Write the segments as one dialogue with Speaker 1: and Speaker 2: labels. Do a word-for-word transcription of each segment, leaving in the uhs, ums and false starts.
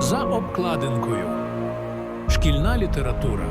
Speaker 1: За обкладинкою. Шкільна література.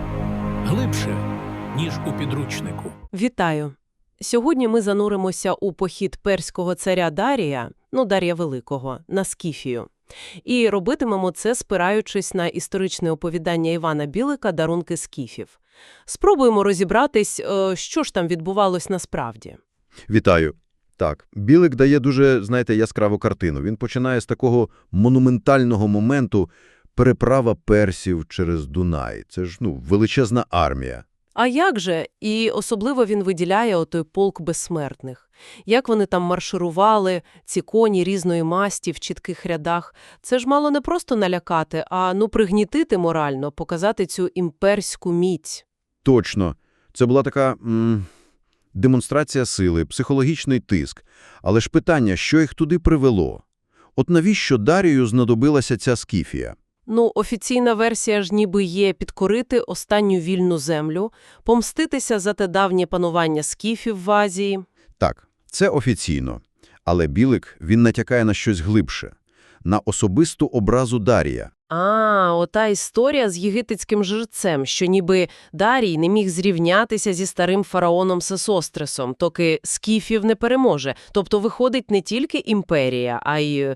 Speaker 1: Глибше, ніж у підручнику.
Speaker 2: Вітаю! Сьогодні ми зануримося у похід перського царя Дарія, ну, Дарія Великого, на Скіфію. І робитимемо це, спираючись на історичне оповідання Івана Білика «Дарунки скіфів». Спробуємо розібратись, що ж там відбувалось насправді.
Speaker 3: Вітаю. Так, Білик дає дуже, знаєте, яскраву картину. Він починає з такого монументального моменту переправа персів через Дунай. Це ж, ну, величезна армія.
Speaker 2: А як же? І особливо він виділяє отой полк безсмертних. Як вони там марширували, ці коні різної масті в чітких рядах. Це ж мало не просто налякати, а ну пригнітити морально, показати цю імперську міць.
Speaker 3: Точно. Це була така м демонстрація сили, психологічний тиск. Але ж питання, що їх туди привело? От навіщо Дарію знадобилася ця Скіфія?
Speaker 2: Ну, офіційна версія ж ніби є підкорити останню вільну землю, помститися за те давнє панування скіфів в Азії.
Speaker 3: Так, це офіційно. Але Білик, він натякає на щось глибше. На особисту образу Дарія.
Speaker 2: А, ота історія з єгипетським жрецем, що ніби Дарій не міг зрівнятися зі старим фараоном Сесостресом, доки скіфів не переможе. Тобто виходить не тільки імперія, а й е,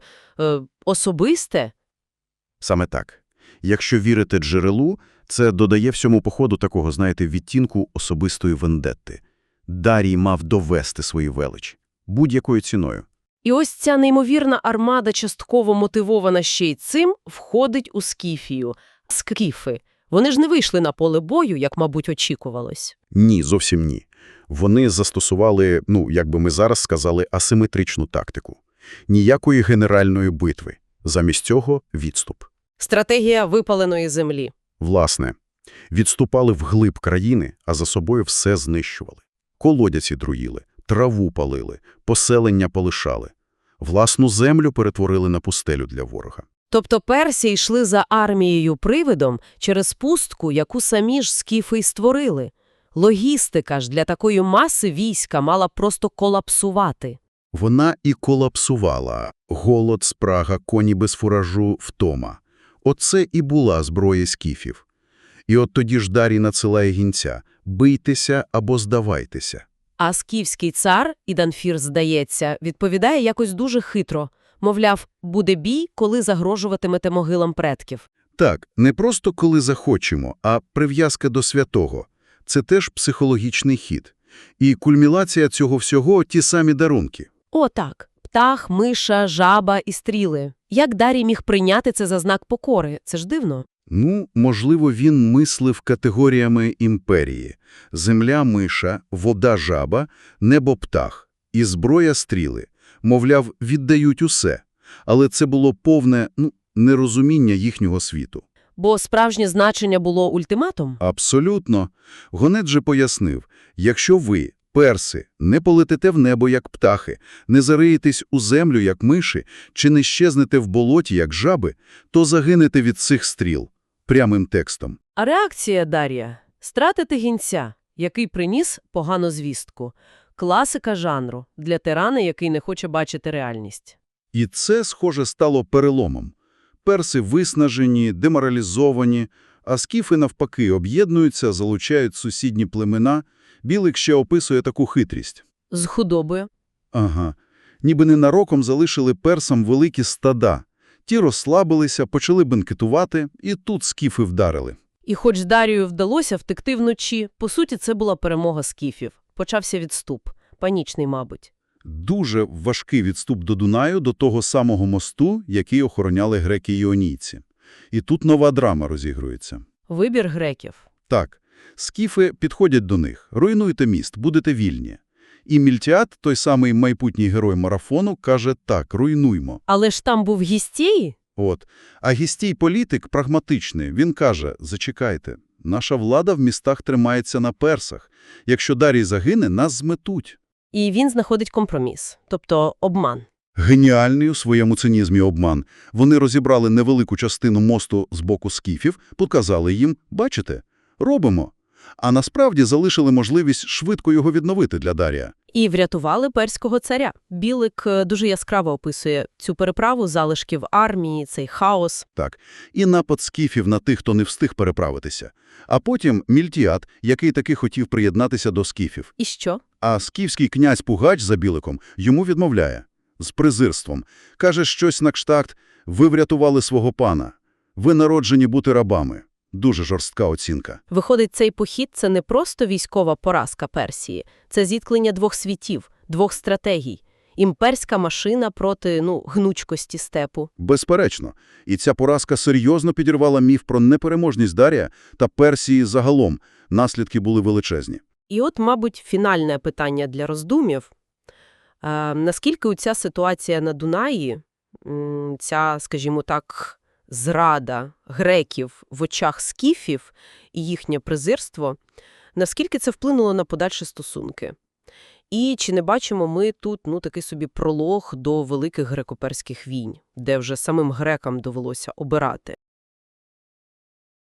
Speaker 2: особисте.
Speaker 3: Саме так. Якщо вірити джерелу, це додає всьому походу такого, знаєте, відтінку особистої вендетти. Дарій мав довести свою велич. Будь-якою ціною.
Speaker 2: І ось ця неймовірна армада, частково мотивована ще й цим, входить у Скіфію. Скіфи. Вони ж не вийшли на поле бою, як, мабуть, очікувалось.
Speaker 3: Ні, зовсім ні. Вони застосували, ну, як би ми зараз сказали, асиметричну тактику. Ніякої генеральної битви. Замість цього – відступ.
Speaker 2: Стратегія випаленої землі.
Speaker 3: Власне, відступали вглиб країни, а за собою все знищували. Колодязі друїли, траву палили, поселення полишали. Власну землю перетворили на пустелю для ворога.
Speaker 2: Тобто персі йшли за армією-привидом через пустку, яку самі ж скіфи й створили. Логістика ж для такої маси війська мала просто колапсувати.
Speaker 3: Вона і колапсувала. Голод, спрага, коні без фуражу, втома. Оце і була зброя скіфів. І от тоді ж Дарій надсилає гінця – бийтеся або здавайтеся.
Speaker 2: А скіфський цар, Іданфір, здається, відповідає якось дуже хитро. Мовляв, буде бій, коли загрожуватимете могилам предків.
Speaker 3: Так, не просто коли захочемо, а прив'язка до святого. Це теж психологічний хід. І кульмінація цього всього – ті самі дарунки.
Speaker 2: О, так. Птах, миша, жаба і стріли. Як Дарій міг прийняти це за знак покори? Це ж дивно.
Speaker 3: Ну, можливо, він мислив категоріями імперії. Земля – миша, вода – жаба, небо – птах. І зброя – стріли. Мовляв, віддають усе. Але це було повне, ну, нерозуміння їхнього світу.
Speaker 2: Бо справжнє значення було ультиматум?
Speaker 3: Абсолютно. Гонець же пояснив, якщо ви, перси, не полетите в небо, як птахи, не зариєтесь у землю, як миші, чи не щезнете в болоті, як жаби, то загинете від цих стріл. Прямим текстом.
Speaker 2: А реакція Дарія – стратити гінця, який приніс погану звістку. Класика жанру для тирана, який не хоче бачити реальність.
Speaker 3: І це, схоже, стало переломом. Перси виснажені, деморалізовані, а скіфи, навпаки, об'єднуються, залучають сусідні племена. Білик ще описує таку хитрість.
Speaker 2: З худобою.
Speaker 3: Ага. Ніби ненароком залишили персам великі стада. Ті розслабилися, почали бенкетувати, і тут скіфи вдарили.
Speaker 2: І хоч Дарію вдалося втекти вночі, по суті, це була перемога скіфів. Почався відступ. Панічний, мабуть.
Speaker 3: Дуже важкий відступ до Дунаю, до того самого мосту, який охороняли греки-іонійці. І тут нова драма розігрується.
Speaker 2: Вибір греків.
Speaker 3: Так, скіфи підходять до них. Руйнуйте міст, будете вільні. І Мільтіад, той самий майбутній герой марафону, каже так, руйнуймо.
Speaker 2: Але ж там був Гістій?
Speaker 3: От. А Гістій-політик прагматичний. Він каже, зачекайте, наша влада в містах тримається на персах. Якщо Дарій загине, нас зметуть.
Speaker 2: І він знаходить компроміс, тобто обман.
Speaker 3: Геніальний у своєму цинізмі обман. Вони розібрали невелику частину мосту з боку скіфів, показали їм, бачите, робимо. А насправді залишили можливість швидко його відновити для Дарія.
Speaker 2: І врятували перського царя. Білик е, дуже яскраво описує цю переправу залишків армії, цей хаос.
Speaker 3: Так. І напад скіфів на тих, хто не встиг переправитися. А потім Мільтіад, який таки хотів приєднатися до скіфів.
Speaker 2: І що?
Speaker 3: А скіфський князь Пугач за Біликом йому відмовляє. З презирством. Каже щось на кшталт: «Ви врятували свого пана. Ви народжені бути рабами». Дуже жорстка оцінка.
Speaker 2: Виходить, цей похід – це не просто військова поразка Персії. Це зіткнення двох світів, двох стратегій. Імперська машина проти, ну, гнучкості степу.
Speaker 3: Безперечно. І ця поразка серйозно підірвала міф про непереможність Дарія та Персії загалом. Наслідки були величезні.
Speaker 2: І от, мабуть, фінальне питання для роздумів. Е, наскільки ця ситуація на Дунаї, м, ця, скажімо так, зрада греків в очах скіфів і їхнє презирство, наскільки це вплинуло на подальші стосунки? І чи не бачимо ми тут, ну, такий собі пролог до великих греко-перських війн, де вже самим грекам довелося обирати?